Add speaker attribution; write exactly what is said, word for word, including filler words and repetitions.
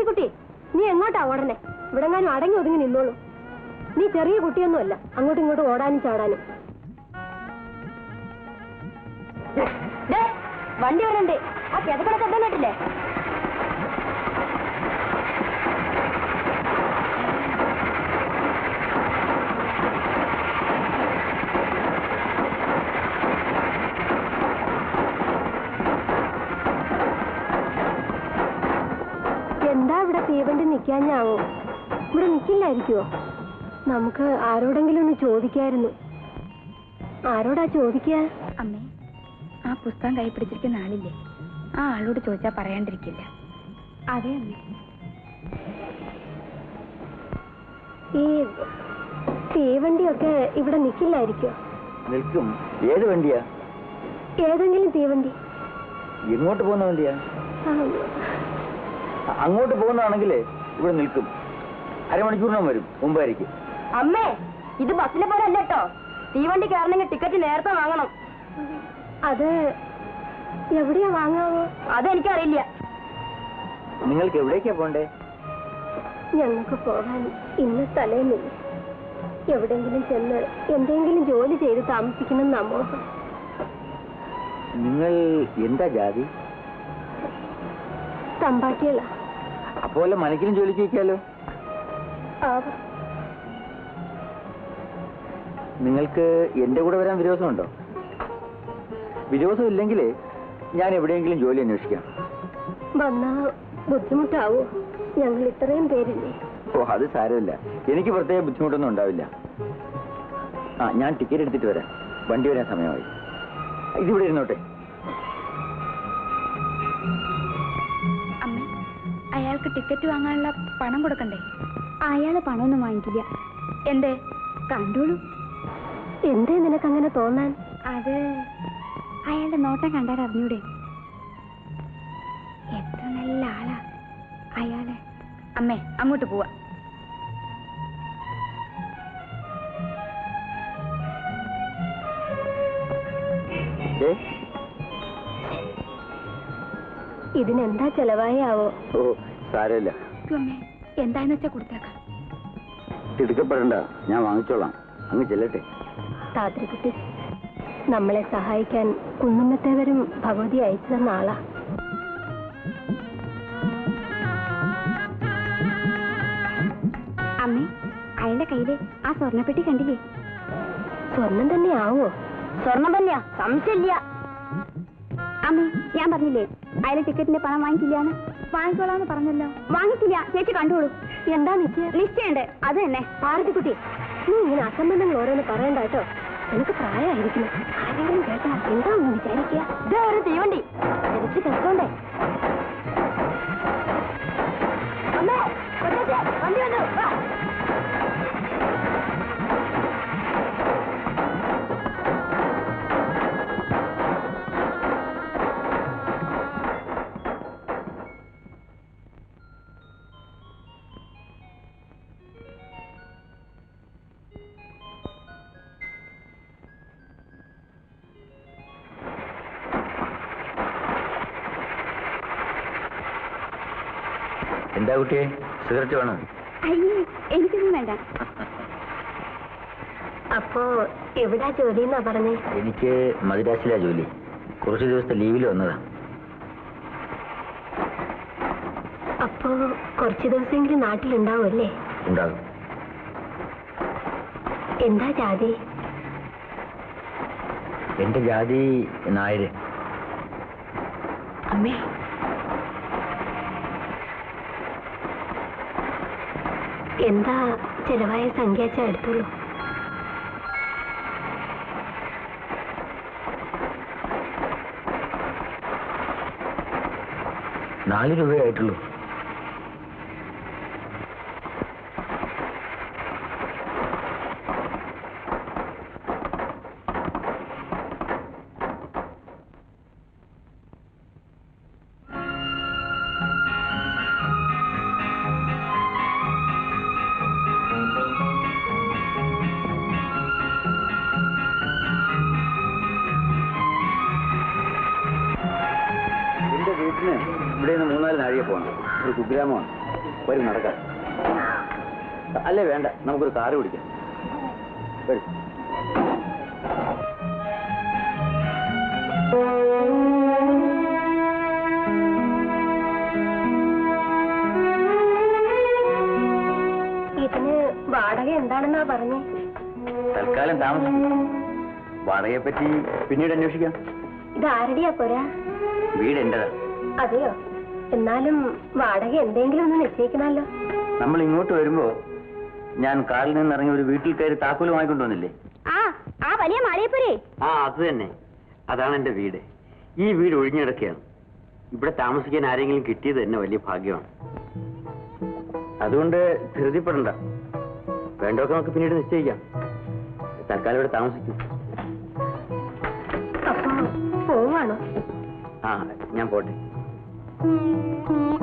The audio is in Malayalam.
Speaker 1: പാർവതിക്കുട്ടി, നീ എങ്ങോട്ടാ ഓടണേ? ഇവിടെങ്ങാനും അടങ്ങി ഒതുങ്ങി നിന്നോളൂ. നീ ചെറിയ കുട്ടിയൊന്നുമല്ല അങ്ങോട്ടും ഇങ്ങോട്ടും ഓടാനും ചാടാനും. വണ്ടി വരണ്ടേ? ആ കിതക്കണ ശബ്ദം കേട്ടില്ലേ? എന്താ ഇവിടെ തീവണ്ടി നിൽക്കാഞ്ഞാവോ? ഇവിടെ നിൽക്കില്ലായിരിക്കുമോ? നമുക്ക് ആരോടെങ്കിലും ഒന്ന് ചോദിക്കായിരുന്നു. ആരോടാ ചോദിക്കാ?
Speaker 2: അമ്മേ, ആ പുസ്തകം കൈ പിടിച്ചിരിക്കുന്ന ആളില്ലേ, ആ ആളോട് ചോദിച്ചാൽ പറയാണ്ടിരിക്കില്ല.
Speaker 1: അതെ അമ്മേ. ഈ തീവണ്ടിയൊക്കെ ഇവിടെ നിൽക്കില്ലായിരിക്കുമോ?
Speaker 3: നിൽക്കും. ഏത് വണ്ടിയാ?
Speaker 1: ഏതെങ്കിലും തീവണ്ടി.
Speaker 3: എങ്ങോട്ട് പോകുന്ന വണ്ടിയാ? അങ്ങോട്ട് പോകുന്നതാണെങ്കിലേ ഇവിടെ നിൽക്കും. അരമണിക്കൂറിനും വരും മുമ്പായിരിക്കും.
Speaker 1: അമ്മേ, ഇത് ബസ്സിലെ പോലെ അല്ല കേട്ടോ. തീവണ്ടി കയറണമെങ്കിൽ ടിക്കറ്റ് നേരത്തെ വാങ്ങണം. അത് എവിടെയാ വാങ്ങാവോ? അതെനിക്കറിയില്ല.
Speaker 3: നിങ്ങൾക്ക് എവിടേക്കാ പോണ്ടേ?
Speaker 1: ഞങ്ങൾക്ക് പോകാൻ ഇന്ന് തലേന്നില്ല. എവിടെങ്കിലും ചെന്ന് എന്തെങ്കിലും ജോലി ചെയ്ത് താമസിക്കണം നമ്മോഹം.
Speaker 3: നിങ്ങൾ എന്താ ജാതി?
Speaker 1: തമ്പാട്ടികളാ.
Speaker 3: അപ്പോലെ മനക്കിലും ജോലിക്ക് വയ്ക്കാലോ. നിങ്ങൾക്ക് എന്റെ കൂടെ വരാൻ വിരോധമുണ്ടോ? വിരോധം ഇല്ലെങ്കിൽ ഞാൻ എവിടെയെങ്കിലും ജോലി അന്വേഷിക്കാം.
Speaker 1: വന്നാ ബുദ്ധിമുട്ടാവോ? ഞങ്ങൾ ഇത്രയും പേരില്ലേ.
Speaker 3: ഓ, അത് സാരമില്ല. എനിക്ക് പ്രത്യേക ബുദ്ധിമുട്ടൊന്നും ഉണ്ടാവില്ല. ആ, ഞാൻ ടിക്കറ്റ് എടുത്തിട്ട് വരാം. വണ്ടി വരാൻ സമയമായി. ഇതിവിടെ ഇരുന്നോട്ടെ.
Speaker 2: അമ്മേ, അയാൾക്ക് ടിക്കറ്റ് വാങ്ങാനുള്ള പണം കൊടുക്കണ്ടേ?
Speaker 1: അയാള് പണമൊന്നും വാങ്ങിക്കില്ല.
Speaker 2: എന്തേ?
Speaker 1: കണ്ടോളൂ. എന്തേ നിനക്കങ്ങനെ തോന്നാൻ?
Speaker 2: അത് അയാളുടെ നോട്ടം കണ്ടാൽ അറിഞ്ഞൂടെ? എത്ര നല്ല ആളാ അയാളെ. അമ്മേ, അങ്ങോട്ട് പോവാ.
Speaker 1: ഇതിനെന്താ ചെലവായാവോ?
Speaker 3: ഓ, സാരമില്ല.
Speaker 2: അമ്മേ, എന്താന്ന് വെച്ചാ കൊടുത്തേക്കാം.
Speaker 3: തിടുക്കപ്പെടണ്ട, ഞാൻ വാങ്ങിച്ചോളാം. അങ്ങ് ചെല്ലട്ടെ.
Speaker 1: താത്രിക്കുട്ടി, നമ്മളെ സഹായിക്കാൻ കുന്നുമ്മത്തേവരും ഭഗവതി അയച്ചു തന്ന ആളാ.
Speaker 2: അമ്മേ, അയാളുടെ കയ്യില് ആ സ്വർണ്ണപ്പെട്ടി കണ്ടില്ലേ?
Speaker 1: സ്വർണം തന്നെ ആവോ? സ്വർണം തന്നെയാ, സംശയമില്ല.
Speaker 2: അമ്മേ, ഞാൻ പറഞ്ഞില്ലേ അയാളെ ടിക്കറ്റിന്റെ പണം വാങ്ങിക്കില്ലാന്ന്? വാങ്ങിക്കോളാന്ന് പറഞ്ഞല്ലോ. വാങ്ങിക്കില്ല. ചേച്ചി കണ്ടോളൂ.
Speaker 1: എന്താ നിശ്ചയം?
Speaker 2: നിശ്ചയുണ്ട്. അത് തന്നെ.
Speaker 1: പാർവതിക്കുട്ടി, നീ ഇങ്ങനെ അസംബന്ധങ്ങൾ ഓരോന്ന് പറയണ്ട കേട്ടോ. എനിക്ക് പ്രായമായിരിക്കുന്നു. ആരെങ്കിലും കേട്ടാ എന്താ ഒന്ന് വിചാരിക്കുക? ഇതാ ഒരു തീവണ്ടി. തിരിച്ച് കെട്ടോണ്ടേ. അമ്മേ, വണ്ടി വന്നു.
Speaker 3: എന്താ കുട്ടിയെ, സിഗരറ്റ് വേണം?
Speaker 2: അയ്യേ, എനിക്കൊന്നും വേണ്ട.
Speaker 1: അപ്പോ എവിടാ ജോലി എന്നാ പറഞ്ഞേ?
Speaker 3: എനിക്ക് മദ്രാസിലാ ജോലി. കുറച്ചു ദിവസത്തെ ലീവിൽ വന്നതാ.
Speaker 1: അപ്പോ കുറച്ചു ദിവസമെങ്കിലും നാട്ടിലുണ്ടാവുമല്ലേ?
Speaker 3: ഉണ്ടാകും.
Speaker 1: എന്താ ജാതി?
Speaker 3: എന്റെ ജാതി നായര്.
Speaker 1: അമ്മേ, എന്താ ചെലവായ സംഖ്യ എടുത്തോളൂ.
Speaker 3: നാല് രൂപയായിട്ടുള്ളൂ. ഇവിടെ നിന്ന് മൂന്നാല് നാഴിക വഴിയെ പോകണം. ഒരു കുഗ്രാമമാണ്. വരും, നടക്കാം. അല്ലേ വേണ്ട, നമുക്കൊരു കാറ് പിടിക്കാം. വരും.
Speaker 1: ഇതിന് വാടക എന്താണെന്നാ പറഞ്ഞേ?
Speaker 3: തൽക്കാലം താമസം. വാടകയെ പറ്റി പിന്നീട് അന്വേഷിക്കാം.
Speaker 1: ഇത് ആരുടെയാ പോരാ?
Speaker 3: വീട് എന്റേതാ.
Speaker 1: അതെയോ? എന്നാലും വാടക എന്തെങ്കിലും ഒന്ന് നിശ്ചയിക്കണമല്ലോ.
Speaker 3: നമ്മൾ ഇങ്ങോട്ട് വരുമ്പോ ഞാൻ കാറിൽ നിന്ന് ഇറങ്ങി ഒരു വീട്ടിൽ കയറി താക്കോല് വാങ്ങിക്കൊണ്ടുവന്നില്ലേ?
Speaker 2: ആ ആ വലിയ മാളികപ്പുരേ.
Speaker 3: ആ, അത് തന്നെ. അതാണ് എന്റെ വീട്. ഈ വീട് ഒഴിഞ്ഞിടക്കുകയാണ്. ഇവിടെ താമസിക്കാൻ ആരെങ്കിലും കിട്ടിയത് തന്നെ വലിയ ഭാഗ്യമാണ്. അതുകൊണ്ട് ധൃതിപ്പെടണ്ട. വേണ്ടതൊക്കെ നമുക്ക് പിന്നീട് നിശ്ചയിക്കാം. തൽക്കാലം ഇവിടെ താമസിക്കും.
Speaker 1: അപ്പൊ പോവാണോ?
Speaker 3: ആ, ഞാൻ പോട്ടെ.